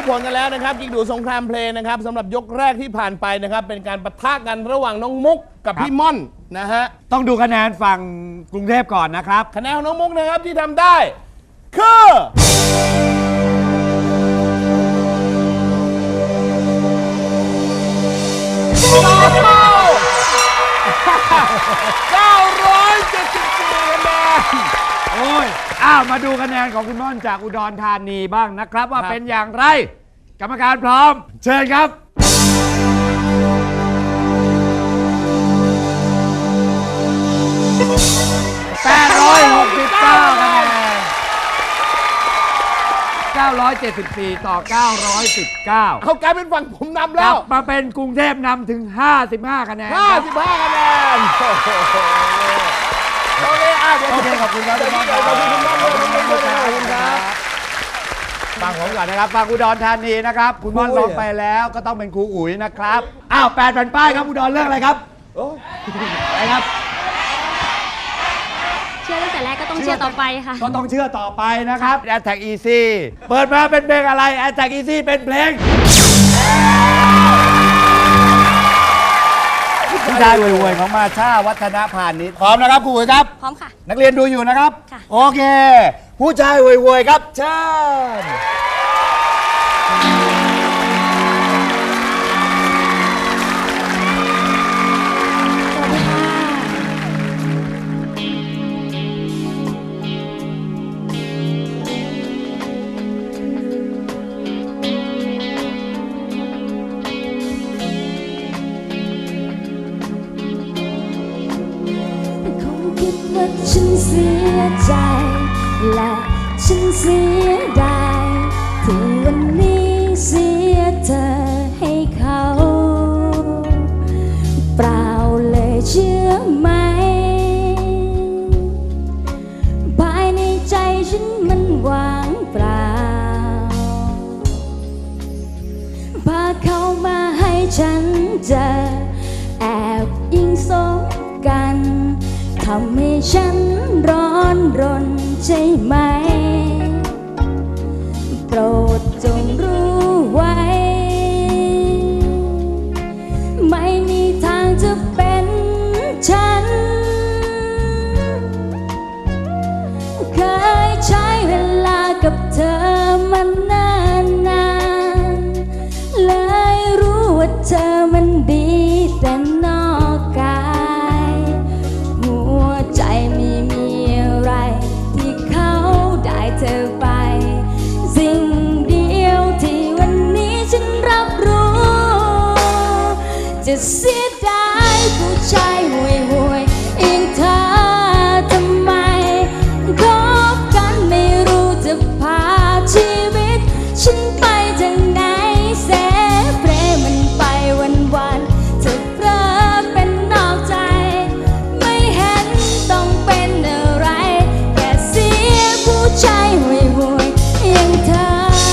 ผลกันแล้วนะครับยิงดูสงครามเพลงนะครับสำหรับยกแรกที่ผ่านไปนะครับเป็นการปะทะกันระหว่างน้องมุกกับพี่ม่อนนะฮะต้องดูคะแนนฝั่งกรุงเทพก่อนนะครับคะแนนของน้องมุกนะครับที่ทำได้คือ974คะแนนโอ้ยมาดูคะแนนของคุณม่อนจากอุดรธานีบ้างนะครับว่าเป็นอย่างไรกรรมการพร้อมเชิญครับ869คะแนน974ต่อ919 เขากลายเป็นฝั่งผมนำกแล้ลัวบมาเป็นกรุงเทพนำถึง55คะแนน 55คะแนนโอเคโอเคขอบคุณครับขอบคุณคุณม่อนขอบคุณครับฟังผมก่อนนะครับฟังอุดรธานีนะครับคุณม่อนลงไปแล้วก็ต้องเป็นครูอุ๋ยนะครับ8แผ่นป้ายครับอุดรเรื่องอะไรครับอะไรครับเชื่อตั้งแต่แรกก็ต้องเชื่อต่อไปค่ะก็ต้องเชื่อต่อไปนะครับ Attack Easy เปิดมาเป็นเพลงอะไร Attack Easy เป็นเพลงผู้ชายรวยๆของมาชาวัฒนพานิชพร้อมนะครับครูอุ๋ยครับพร้อมค่ะนักเรียนดูอยู่นะครับค่ะโอเคผู้ชายรวยๆครับเชิญฉันเสียใจและฉันเสียดายที่วันนี้เสียเธอให้เขาเปล่าเลยเชื่อไหมภายในใจฉันมันว่างเปล่าพาเขามาให้ฉันเจอแอบยิงสมกันทำให้ฉันร้อนรนใช่ไหมโปรดจงรู้ไว้ไม่มีทางจะเป็นฉันเคยใช้เวลากับเธอมานานๆเลยรู้ว่าเธอมันดีแต่นอกกายใจไม่มีอะไรที่เขาได้เธอไปสิ่งเดียวที่วันนี้ฉันรับรู้จะเสียดายผู้ชายห่วยๆอย่างเธอทำไมคบกันไม่รู้จะพาชีวิตฉันไปทางไหนเสเพลมันไปวันๆเธอเพลิดเป็นนอกใจต้องเป็นอะไรแค่เสียผู้ชายห่วยๆอย่างเธอ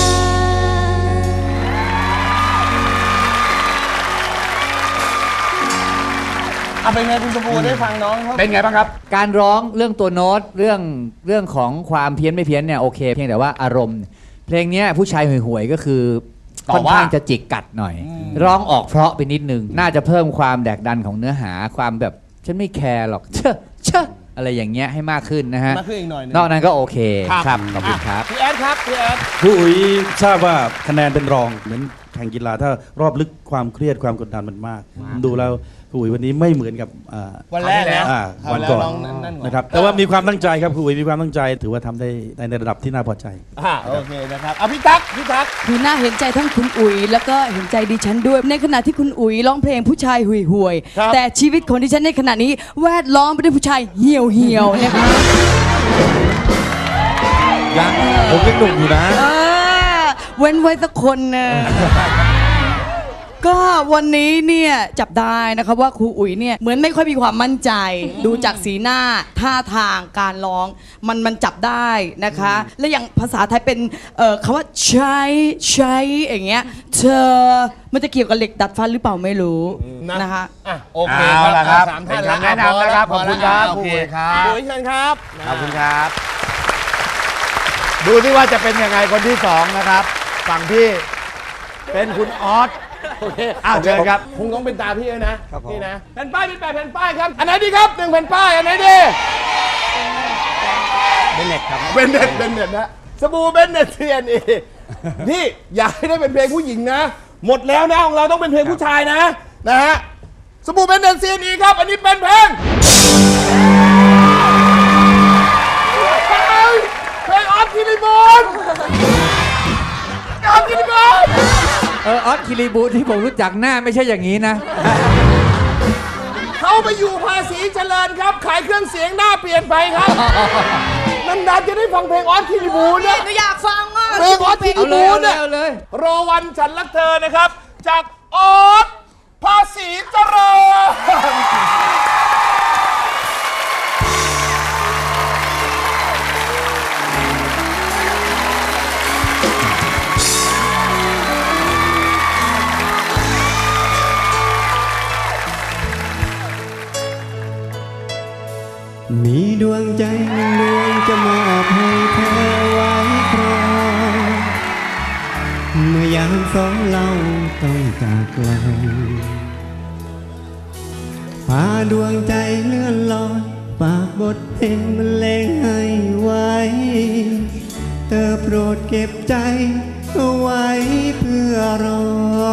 เป็นไงคุณชมพูได้ฟังน้องเขาเป็นไงบ้างครับการร้องเรื่องตัวโน้ตเรื่องของความเพี้ยนไม่เพี้ยนเนี่ยโอเคเพียงแต่ว่าอารมณ์เพลงนี้ผู้ชายห่วยๆก็คือค่อนข้างจะจิกกัดหน่อยร้องออกเพราะไปนิดนึงน่าจะเพิ่มความแดกดันของเนื้อหาความแบบฉันไม่แคร์หรอกเชื่ออะไรอย่างเงี้ยให้มากขึ้นนะฮะมากขึ้นอีกหน่อยนึงนอกนั้นก็โอเคครับขอบคุณครับพี่แอดครับพี่แอดครูอุ๋ยทราบว่าคะแนนเป็นรองเหมือนแข่งกีฬาถ้ารอบลึกความเครียดความกดดันมันมากดูแล้วครูอุ๋ยวันนี้ไม่เหมือนกับวันแรกแล้ววันก่อนนะครับแต่ว่ามีความตั้งใจครับครูอุ๋ยมีความตั้งใจถือว่าทำได้ในระดับที่น่าพอใจโอเคนะครับพี่ตั๊กคือน่าเห็นใจทั้งคุณอุ๋ยแล้วก็เห็นใจดิฉันด้วยในขณะที่คุณอุ๋ยร้องเพลงผู้ชายห่วยๆแต่ชีวิตของดิฉันในขณะนี้แวดล้อมไปด้วยผู้ชายเหี่ยวนะคะยังผมยังหนุ่มอยู่นะเว้นไว้สักคนนะก็วันนี้เนี่ยจับได้นะคะว่าครูอุ๋ยเนี่ยเหมือนไม่ค่อยมีความมั่นใจดูจากสีหน้าท่าทางการร้องมันจับได้นะคะและอย่างภาษาไทยเป็นคำว่าใช้อย่างเงี้ยเธอมันจะเกี่ยวกับเหล็กดัดฟันหรือเปล่าไม่รู้นะคะโอเคครับ3 ท่านแนะนำนะครับขอบคุณครับครูอุ๋ยครับครูอุ๋ยเชิญครับขอบคุณครับดูที่ว่าจะเป็นยังไงคนที่2นะครับฝั่งที่เป็นคุณออสโอเคอ้าวเชิญครับคงต้องเป็นตาพี่แล้วนะนี่นะแผ่นป้ายมี8แผ่นป้ายครับอันไหนดีครับ1แผ่นป้ายอันไหนดีเบนเน็ตครับเบนเน็ตนะสบู่เบนเน็ต CNE นี่อยากให้ได้เป็นเพลงผู้หญิงนะ หมดแล้วนะของเราต้องเป็นเพลงผู้ชายนะฮะสบู่เบนเน็ต CNE ครับอันนี้เป็นเพลงออสคิริบูลออสคิริบูลออสคิริบูที่ผมรู้จักหน้าไม่ใช่อย่างนี้นะเขาไปอยู่ภาษีเจริญครับ ขายเครื่องเสียงหน้าเปลี่ยนไปครับนานๆจะได้ฟังเพลงออสคิริบูลเนี่ยหนูอยากฟังมากเพลงออสคิริบูลเนี่ยเอาเลยรอวันฉันรักเธอนะครับ จากออสภาษีเจริญมีดวงใจหนึ่งดวงจะมอบให้เธอไว้ครองเมื่อยามสองเราต้องจากไกลพาดวงใจเลื่อนลอยฝากบทเพลงบรรเลงให้ไว้เธอโปรดเก็บใจเอาไว้เพื่อรอ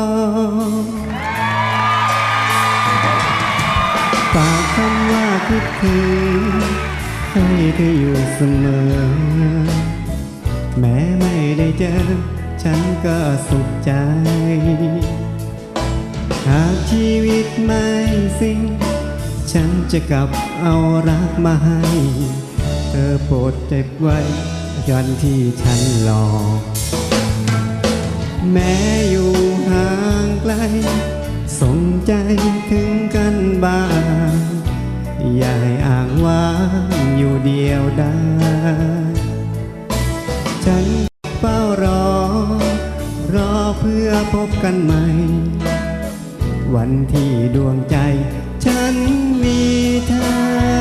ฝากคำว่าคิดถึงให้เธออยู่เสมอแม้ไม่ได้เจอฉันก็สุขใจหากชีวิตไม่สิ้นฉันจะกลับเอารักมาให้เธอโปรดเก็บไว้ยันที่ฉันรอแม้อยู่ห่างไกลส่งใจถึงกันบ้างอย่าให้อ้างว้างอยู่เดียวได้ฉันเฝ้ารอเพื่อพบกันใหม่วันที่ดวงใจฉันมีเธอ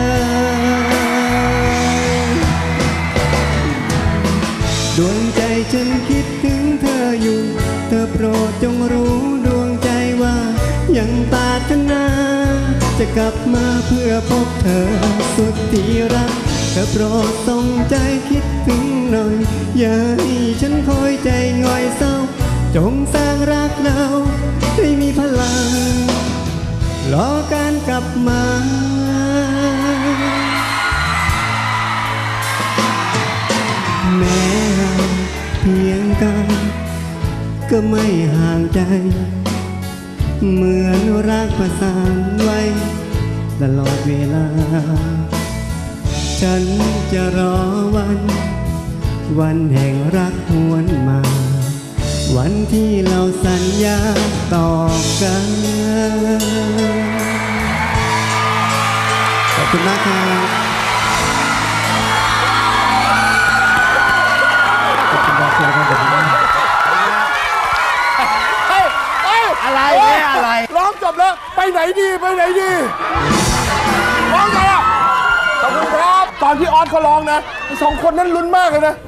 ดวงใจฉันคิดถึงเธออยู่เธอโปรดจงรู้ดวงใจว่ายังปรารถนาจะกลับมาเพื่อพบเธอสุดที่รักเธอโปรดส่งใจคิดถึงหน่อยอย่าให้ฉันคอยใจง่อยเศร้าจงสร้างรักเราให้มีพลังรอการกลับมาแม้เพียงกันก็ไม่ห่างใจเหมือนรักประสานไว้ตลอดเวลาฉันจะรอวันแห่งรักหวนมาวันที่เราสัญญาต่อกันขอบคุณมากครับขอบคุณมากครับผมอะไรเนี่ยอะไรร้องจบแล้วไปไหนดีร้องไงอ่ะขอบคุณครับตอนที่ออสเขาร้องนะสองคนนั้นลุ้นมากเลยนะ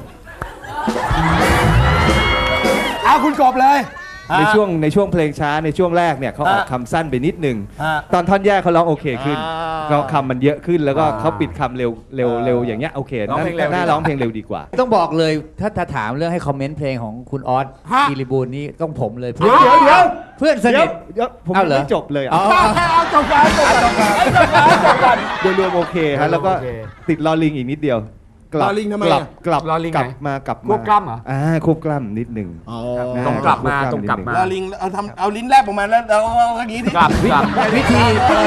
เอาคุณกบเลยในช่วงเพลงช้าในช่วงแรกเนี่ยเขาออกคำสั้นไปนิดหนึ่งตอนท่อนแยกเขาร้องโอเคขึ้นก็คำมันเยอะขึ้นแล้วก็เขาปิดคำเร็วอย่างเงี้ยโอเคน่าร้องเพลงเร็วดีกว่าต้องบอกเลยถ้าถามเรื่องให้คอมเมนต์เพลงของคุณออสคิริบูลนี่ต้องผมเลยเดี๋ยวเพื่อนสนิทผมเอาเหรอไม่จบเลยเอาจบกันโดยรวมโอเคฮะแล้วก็ติดลอลิงอีกนิดเดียวลอลิงทำไมกลับลอลิงกลับไหนมากลับควบกล้ำเหรอควบกล้ำนิดหนึ่งต้องกลับมาต้องกลับมาลอลิงเอาลิ้นแลบออกมาแล้วเอาอย่างนี้ดิกลับวิธี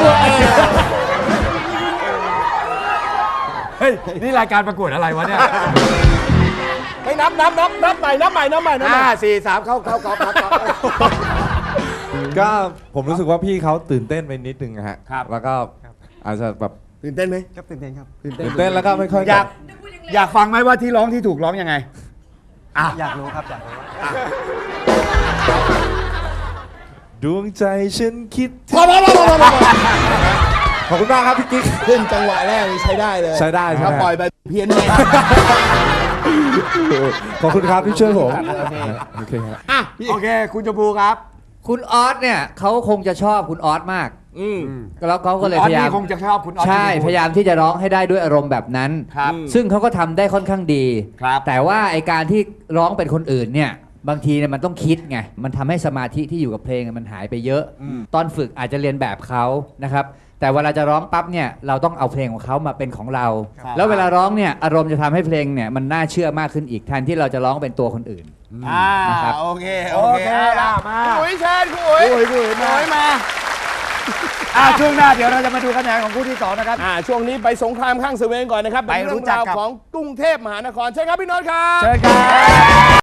เฮ้ยนี่รายการประกวดอะไรวะเนี่ยให้นับใหม่ 4 3เข้าก็ผมรู้สึกว่าพี่เขาตื่นเต้นไปนิดนึงอะฮะครับแล้วก็อาจจะแบบตื่นเต้นไหมครับตื่นเต้นครับตื่นเต้นแล้วก็ไม่ค่อยอยากฟังไหมว่าที่ร้องที่ถูกร้องยังไงอยากรู้ครับอยากรู้ดวงใจฉันคิดพอขอบคุณมากครับพี่กิ๊กขึ้นจังหวะแรกนี่ใช้ได้เลยใช้ได้ใช่ไหมถ้าปล่อยไปเพี้ยนเลยขอบคุณครับที่ช่วยผมโอเคครับอ่ะโอเค คุณชมพูครับคุณออสเนี่ยเขาคงจะชอบคุณออสมากอืมแล้วเขาก็เลยออพสยายามนี่คงจะชอบคุณออสใช่ที่พูดพยายามที่จะร้องให้ได้ด้วยอารมณ์แบบนั้นครับซึ่งเขาก็ทำได้ค่อนข้างดีครับแต่ว่าไอการที่ร้องเป็นคนอื่นเนี่ยบางทีเนี่ยมันต้องคิดไงมันทำให้สมาธิที่อยู่กับเพลงมันหายไปเยอะ ตอนฝึกอาจจะเรียนแบบเขานะครับแต่เวลาจะร้องปั๊บเนี่ยเราต้องเอาเพลงของเขามาเป็นของเรา แล้วเวลาร้องเนี่ยอารมณ์จะทำให้เพลงเนี่ยมันน่าเชื่อมากขึ้นอีกแทนที่เราจะร้องเป็นตัวคนอื่น นะครับโอเคโอเคเอาละมาคุณอุ๋ยเชิญคุณอุ๋ยคุยมาอุ๋ยมาช่วงหน้าเดี๋ยวเราจะมาดูคะแนนของคู่ที่ 2 นะครับช่วงนี้ไปสงครามข้างเสวียนก่อนนะครับไปเป็นรู้เรื่องจักราวกับของกรุงเทพมหานครใช่ครับพี่โน้ตครับเชิญครับ